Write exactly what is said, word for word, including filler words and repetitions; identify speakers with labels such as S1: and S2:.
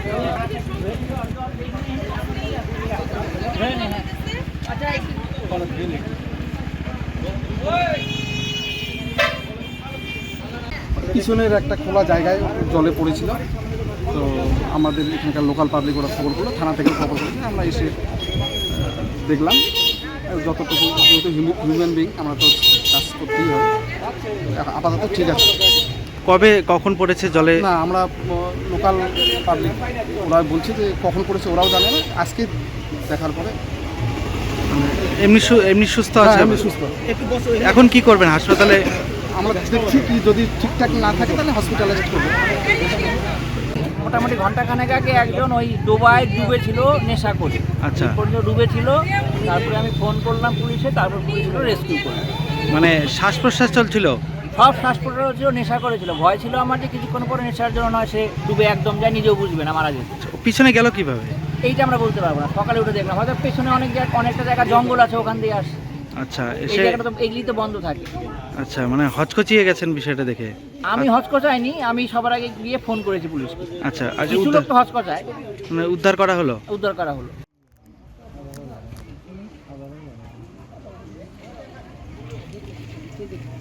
S1: পিছনের একটা খোলা জায়গায় জলে পড়েছিল। তো আমাদের এখানকার লোকাল পাবলিক ওরা খবর করলো, থানা থেকে খবর করেছে, আমরা এসে দেখলাম। যতটুকু যেহেতু হিউম্যান বিং, আমরা তো কাজ করতেই হয়, আপাতত ঠিক আছে।
S2: কবে কখন পড়েছে জলে?
S1: না, আমরা লোকাল পাবলিক ওরা বলছে যে কখন পড়েছে ওরাও জানে না, আজকে দেখার পরে
S2: এমনি এমনি সুস্থ আছে?
S1: এমনি সুস্থ।
S2: এখন কি করবেন হাসপাতালে?
S1: আমরা দেখছি কি যদি ঠিকঠাক না থাকে তাহলে হসপিটালাইজড করবো।
S3: মোটামুটি ঘন্টাখানেক আগে একজন ওই ডোবায় ডুবেছিল নেশা করে।
S2: আচ্ছা,
S3: পর্যন্ত ডুবেছিল, তারপরে আমি ফোন করলাম পুলিশে, তারপর পুলিশ রেস্কিউ করলো।
S2: মানে শ্বাস প্রশ্বাস চলছিল?
S3: সব শ্বাস প্রশ্বাস ছিল, নেশা করেছিল। ভয় ছিল আমার যে কিছুক্ষণ পরে নেশার জন্য নয় সে ডুবে একদম যায়, নিজেও বুঝবে না, মারা যেত।
S2: পিছনে গেল কিভাবে
S3: এইটা আমরা বলতে পারবো না, সকালে উঠে দেখলাম। হয়তো পেছনে অনেক জায়গা, অনেকটা জায়গা জঙ্গল আছে, ওখান দিয়ে আসে।
S2: আচ্ছা,
S3: এই
S2: এসে
S3: জায়গাটা তো এগুলি তো বন্ধ থাকে।
S2: আচ্ছা, মানে হচকচিয়ে গেছেন বিষয়টা দেখে?
S3: আমি হচকচাইনি, আমি সবার আগে গিয়ে ফোন করেছি পুলিশকে।
S2: আচ্ছা, আজ
S3: কিছু লোক তো হচকচায়,
S2: মানে উদ্ধার করা হলো?
S3: উদ্ধার করা হলো।